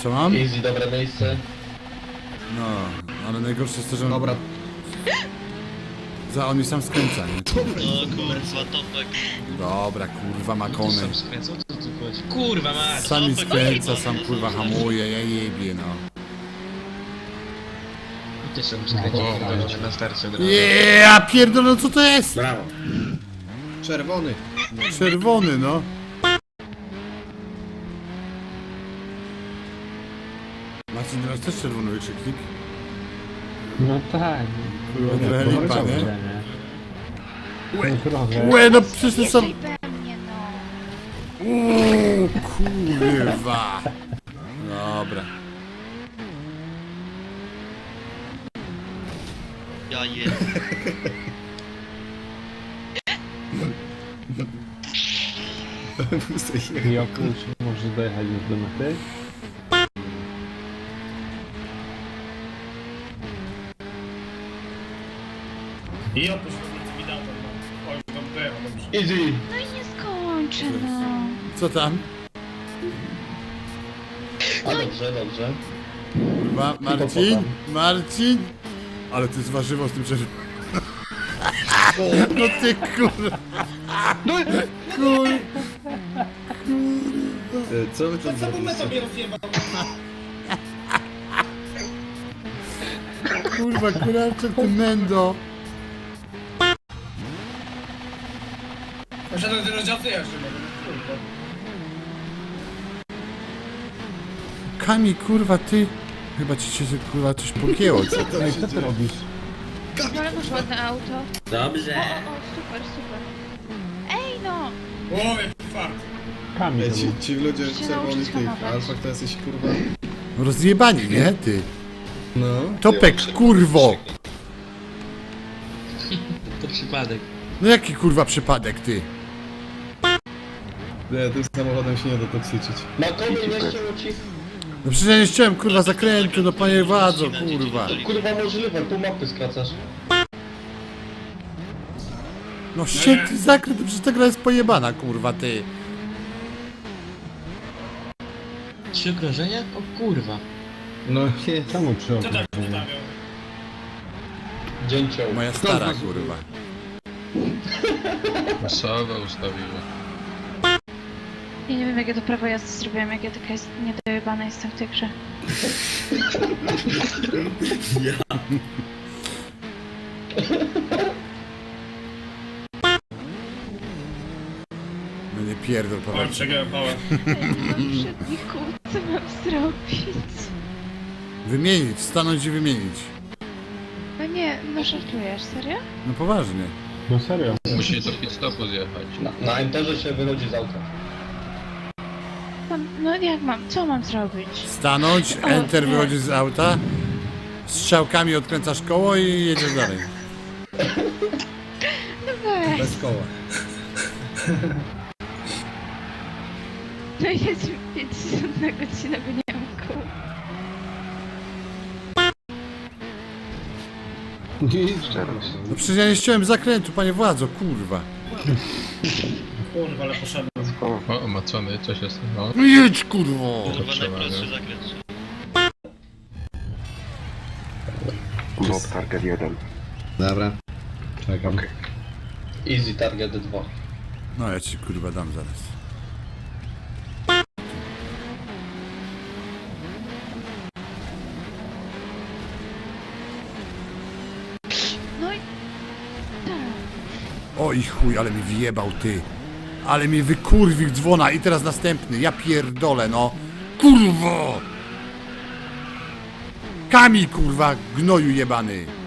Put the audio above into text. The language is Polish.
Co mam? Easy, dobre miejsce. No, ale najgorsze jest to, że Dobra. on mi sam skręca, nie? No kurwa, Topek. Dobra, kurwa, makony. Sam skręcał, co tu chodzi? Kurwa mać! Sam mi Topek, skręca, kurwa, sam no kurwa to hamuje, ja jebie, no. Też sam skręcił, na starcie od razu. Ja pierdolę, no co to jest? Brawo. Czerwony. Czerwony, no. Marcin, ty masz też czerwony wykrzyknik? No tak. Kurwa, trochę No, lipa, dobrze, nie? nie? No trochę. Łe, no przecież to są... Jesteś we mnie, no. Uuu, kurwa. Dobra. Ja je. I oprócz możesz dojechać już do mety. I oprócz tego widać, no. Oj, tam dojechał, dobrze. Easy. No i nie skończę, no. Co tam? A dobrze, dobrze. Kurwa, Marcin? Marcin? Ale ty z warzywo z tym czerwonym. No ty kurwa. Kurwa. Co wy tam Co to meta zrobiliście? mnie rozjebał? Kurwa, kurczę, ty mendo. Poszedłem do rozdziałcy jeszcze, no. Kurwa. Kami, kurwa, ty. Chyba ci się kurwa coś pogięło, co? No i co ty robisz? Ale masz ładne auto. Dobrze. O, super, super. Ej, no. O, jaki fart. Kamień Ej, to był. ci ludzie Muszę się czerwony nauczyć tych. hamować. Alfa to jesteś kurwa. Rozjebani, nie? Ty. No. Topek, kurwo. To przypadek. No jaki kurwa przypadek, ty? Nie, tym samochodem się nie da toksiczyć. Na komy nie chciało ci. No przecież ja nie chciałem kurwa zakrętu, no panie władzo, kurwa. Kurwa możliwe, pół mapy skracasz. No świetny zakręt, przecież ta gra jest pojebana, kurwa, ty. 3 okrążenia? O kurwa. No nie. Czemu trzy Co tak okrążenia? ustawiał? Dzięcioł. Moja stara, kurwa. Masowa ustawiła. Ja nie wiem, jak ja to prawo jazdy zrobiłam, jak ja taka jest niedojebana jestem w tej grze. No nie pierdol, Oj, Paweł. przegrałem pałę. Ej, nie mam przedników, co mam zrobić? Wymienić, stanąć i wymienić. No nie, no żartujesz, serio? No poważnie. No serio. Musi do pit stopu zjechać. Na enterze się wychodzi z auta. No jak mam, co mam zrobić? Stanąć, enter, nie. wychodzisz z auta, strzałkami odkręcasz koło i jedziesz dalej. No weź, Bez koła. no jest 50 na godzinę, bo nie mam kół. No przecież ja nie chciałem zakrętu, panie władzo, kurwa. Kurwa, ale poszedłem. O, macony, co się stało? No jedź, kurwo! Kurwa, najprostszy zakręt. Mob target 1. Dobra. Czekam. Easy, target 2. No ja ci kurwa dam zaraz. No i... tak. Oj chuj, ale mi wyjebał, ty. Ale mi wykurwił dzwona i teraz następny, ja pierdolę, no. Kurwo! Kamil, kurwa, gnoju jebany.